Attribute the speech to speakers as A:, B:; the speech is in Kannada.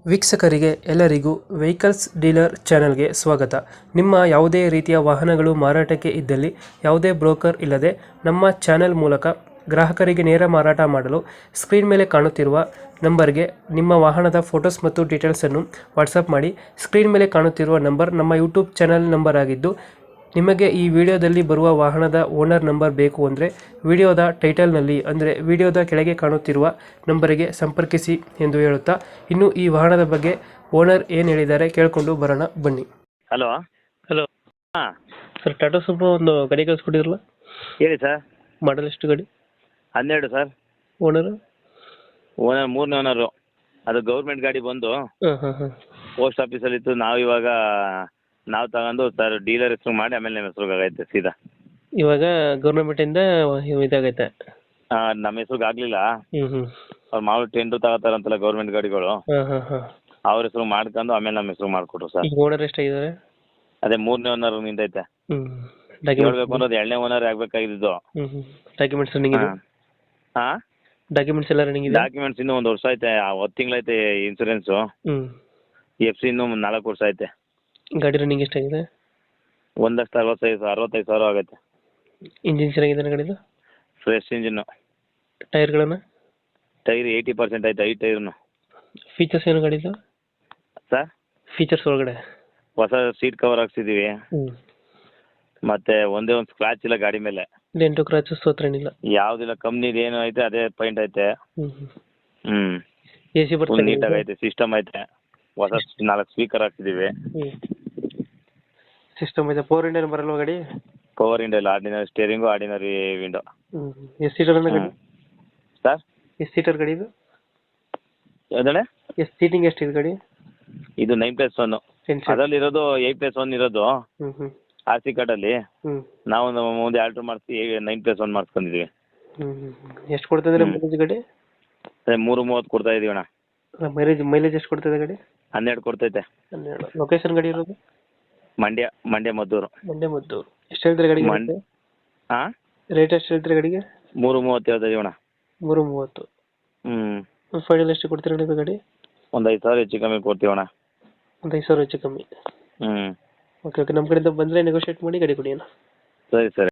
A: ವೀಕ್ಷಕರಿಗೆ ಎಲ್ಲರಿಗೂ ವೆಹಿಕಲ್ಸ್ ಡೀಲರ್ ಚಾನೆಲ್ಗೆ ಸ್ವಾಗತ. ನಿಮ್ಮ ಯಾವುದೇ ರೀತಿಯ ವಾಹನಗಳು ಮಾರಾಟಕ್ಕೆ ಇದ್ದಲ್ಲಿ ಯಾವುದೇ ಬ್ರೋಕರ್ ಇಲ್ಲದೆ ನಮ್ಮ ಚಾನೆಲ್ ಮೂಲಕ ಗ್ರಾಹಕರಿಗೆ ನೇರ ಮಾರಾಟ ಮಾಡಲು ಸ್ಕ್ರೀನ್ ಮೇಲೆ ಕಾಣುತ್ತಿರುವ ನಂಬರ್ಗೆ ನಿಮ್ಮ ವಾಹನದ ಫೋಟೋಸ್ ಮತ್ತು ಡೀಟೇಲ್ಸನ್ನು ವಾಟ್ಸಪ್ ಮಾಡಿ. ಸ್ಕ್ರೀನ್ ಮೇಲೆ ಕಾಣುತ್ತಿರುವ ನಂಬರ್ ನಮ್ಮ ಯೂಟ್ಯೂಬ್ ಚಾನೆಲ್ ನಂಬರ್ ಆಗಿದ್ದು, ನಿಮಗೆ ಈ ವಿಡಿಯೋದಲ್ಲಿ ಬರುವ ವಾಹನದ ಓನರ್ ನಂಬರ್ ಬೇಕು ಅಂದರೆ ವಿಡಿಯೋದ ಟೈಟಲ್ನಲ್ಲಿ ಅಂದರೆ ವಿಡಿಯೋದ ಕೆಳಗೆ ಕಾಣುತ್ತಿರುವ ನಂಬರಿಗೆ ಸಂಪರ್ಕಿಸಿ ಎಂದು ಹೇಳುತ್ತಾ, ಇನ್ನು ಈ ವಾಹನದ ಬಗ್ಗೆ ಓನರ್ ಏನು ಹೇಳಿದ್ದಾರೆ ಕೇಳಿಕೊಂಡು ಬರೋಣ ಬನ್ನಿ.
B: ಹಲೋ.
A: ಹಲೋ
B: ಹಾಂ
A: ಸರ್, ಟಾಟಾ ಸುಮೋ ಒಂದು ಗಾಡಿ ಕಳಿಸ್ಕೊಟ್ಟಿರಲ್ಲ,
B: ಹೇಳಿ ಸರ್.
A: ಮಾಡಲ್ ಎಷ್ಟು ಗಾಡಿ?
B: 12 ಸರ್.
A: ಓನರು?
B: ಓನರ್ 3ನೇ ಓನರು. ಅದು ಗೌರ್ಮೆಂಟ್ ಗಾಡಿ ಬಂದು
A: ಹಾಂ ಹಾಂ ಹಾಂ
B: ಪೋಸ್ಟ್ ಆಫೀಸಲ್ಲಿತ್ತು. ನಾವು ತಗೊಂಡು ಸರ್ ಡೀಲರ್ ಹೆಸರು ಮಾಡಿ ಆಮೇಲೆ ನಮ್ಮ ಹೆಸ್ರಿಗೆ ಆಗೈತೆ ಸೀದಾ.
A: ಇವಾಗ ಗೌರ್ಮೆಂಟಿಂದ ಇದಾಗೈತೆ?
B: ನಮ್ಮ ಹೆಸ್ರಿಗೆ ಆಗಲಿಲ್ಲ.
A: ಹ್ಞೂ ಹ್ಞೂ
B: ಅವ್ರು ಮಾಮೂಲು ಟೆಂಡ್ರು ತಗೋತಾರಂತಲ್ಲ ಗೌರ್ಮೆಂಟ್ ಗಾಡಿಗಳು,
A: ಹಾಂ ಹಾಂ ಹಾಂ
B: ಅವ್ರ ಹೆಸ್ರು ಮಾಡ್ಕೊಂಡು ಆಮೇಲೆ ನಮ್ಮ ಹೆಸ್ರು ಮಾಡಿಕೊಟ್ರು ಸರ್.
A: ಈಗ ಓನರ್ ಎಷ್ಟಾಗಿದ್ದಾರೆ?
B: ಅದೇ 3ನೇ ಓನರ್ ನಿಂದೈತೆ.
A: ಹ್ಞೂ
B: ಹೇಳ್ಬೇಕು ಅನ್ನೋದು 2ನೇ ಓನರ್ ಆಗಬೇಕಾಗಿದ್ದು.
A: ಹ್ಞೂ ಹ್ಞೂ ಡಾಕ್ಯುಮೆಂಟ್ಸ್ ರನ್ನಿಂಗ್ ಇದೆ?
B: ಹಾಂ
A: ಡಾಕ್ಯುಮೆಂಟ್ಸ್ ಎಲ್ಲ ರನ್ನಿಂಗ್ ಇದೆ?
B: ಡಾಕ್ಯುಮೆಂಟ್ಸ್ ಇನ್ನೂ 1 ವರ್ಷ ಐತೆ. 10 ತಿಂಗಳೈತೆ ಇನ್ಸೂರೆನ್ಸು.
A: ಹ್ಞೂ
B: FC ಇನ್ನೂ 4 ವರ್ಷ ಐತೆ.
A: ಗಾಡಿ ರನ್ನಿಂಗ್ ಎಷ್ಟಾಗಿದೆ?
B: 1,65,000 ಆಗೈತೆ.
A: ಇಂಜಿನ್ ಚೆನ್ನಾಗಿದೆ ಗಾಡಿದು?
B: Fresh engine.
A: ಟೈರ್ಗಳನ್ನು?
B: ಟೈರ್ 80% ಐತೆ, 5 ಟೈರ್ನು.
A: ಫೀಚರ್ಸ್ ಏನು ಗಾಡಿದು
B: ಸರ್?
A: ಫೀಚರ್ಸ್ ಒಳಗಡೆ?
B: ಹೊಸ ಸೀಟ್ ಕವರ್ ಹಾಕ್ಸಿದ್ದೀವಿ.
A: ಹ್ಞೂ
B: ಮತ್ತೆ ಒಂದೇ ಒಂದು ಸ್ಕ್ರಾಚ್ ಇಲ್ಲ ಗಾಡಿ ಮೇಲೆ.
A: ಡೆಂಟು ಕ್ರಾಚಸ್ ಹತ್ರ ಏನಿಲ್ಲ?
B: ಯಾವುದಿಲ್ಲ. ಕಂಪ್ನಿದು ಏನು ಐತೆ ಅದೇ ಪೈಂಟ್ ಐತೆ.
A: ಹ್ಞೂ
B: ಹ್ಞೂ
A: ಎ ಸಿ
B: ಫುಲ್
A: ಬರ್ತದೆ?
B: ನೀಟಾಗಿ ಐತೆ. ಸಿಸ್ಟಮ್ ಐತೆ. ಹೊಸ 4 ಸ್ಪೀಕರ್ ಹಾಕ್ಸಿದ್ದೀವಿ.
A: ಹ್ಞೂ ಸಿಸ್ಟಮ್ ಇದೆ. 4 ಇಂಡಿಯನ್ ಬರಲ್ವ ಗಾಡಿ?
B: ಪವರ್ ವಿಂಡೋ ಇಲ್ಲ. Ordinary steering, ordinary window.
A: ಹ್ಞೂ ಎಷ್ಟು ಸೀಟರ್ ಗಾಡಿ?
B: ಸರ್?
A: ಎಷ್ಟು ಸೀಟರ್ ಗಾಡಿ ಇದು?
B: ಯಾವ್ದಣ್ಣ?
A: ಎಷ್ಟು ಸೀಟಿಂಗ್ ಎಷ್ಟಿದೆ ಗಾಡಿ?
B: ಇದು 9+1. ಅದರಲ್ಲಿರೋದು 8+1 ಇರೋದು.
A: ಹ್ಞೂ ಹ್ಞೂ
B: RC ಕಾರ್ಡಲ್ಲಿ.
A: ಹ್ಞೂ
B: ನಾವು ಮುಂದೆ ಆಲ್ಟ್ರ್ ಮಾಡಿಸಿ 9+1 ಮಾಡಿಸ್ಕೊಂಡಿದ್ದೀವಿ.
A: ಹ್ಞೂ ಎಷ್ಟು ಕೊಡ್ತಿದ್ರೆ ಮೈಲೇಜ್ ಗಾಡಿ?
B: ಅದೇ 3.30 ಕೊಡ್ತಾ ಇದೀವಿ ಅಣ್ಣ.
A: ಮೈಲೇಜ್ ಎಷ್ಟು ಕೊಡ್ತಿದೆ ಗಾಡಿ?
B: 12 ಕೊಡ್ತೈತೆ.
A: 12. ಲೊಕೇಶನ್ ಗಾಡಿ ಇರೋದು?
B: ಮಂಡ್ಯ ಮದ್ದೂರು.
A: ಮದ್ದೂರು. ಎಷ್ಟು ಹೇಳ್ತೀರಿ ಗಾಡಿಗೆ?
B: ಹಾಂ
A: ರೇಟ್ ಎಷ್ಟು ಹೇಳ್ತೀರಿ ಗಾಡಿಗೆ?
B: 3.30 ಹೇಳ್ತಾ ಇದೀವಿ ಅಣ್ಣ.
A: 3.30.
B: ಹ್ಞೂ
A: ಫೈನಲ್ ಎಷ್ಟು ಕೊಡ್ತೀರಿ ಗಾಡಿ ಗಾಡಿ?
B: ಒಂದು 5,000 ಹೆಚ್ಚು ಕಮ್ಮಿ ಕೊಡ್ತೀವಣ್ಣ.
A: ಒಂದು 5,000 ಹೆಚ್ಚು ಕಮ್ಮಿ.
B: ಹ್ಞೂ
A: ಓಕೆ ಓಕೆ, ನಮ್ಮ ಕಡೆಯಿಂದ ಬಂದರೆ ನೆಗೋಷಿಯೇಟ್ ಮಾಡಿ ಗಾಡಿ ಕೊಡಿ ಅಣ್ಣ.
B: ಸರಿ ಸರಿ.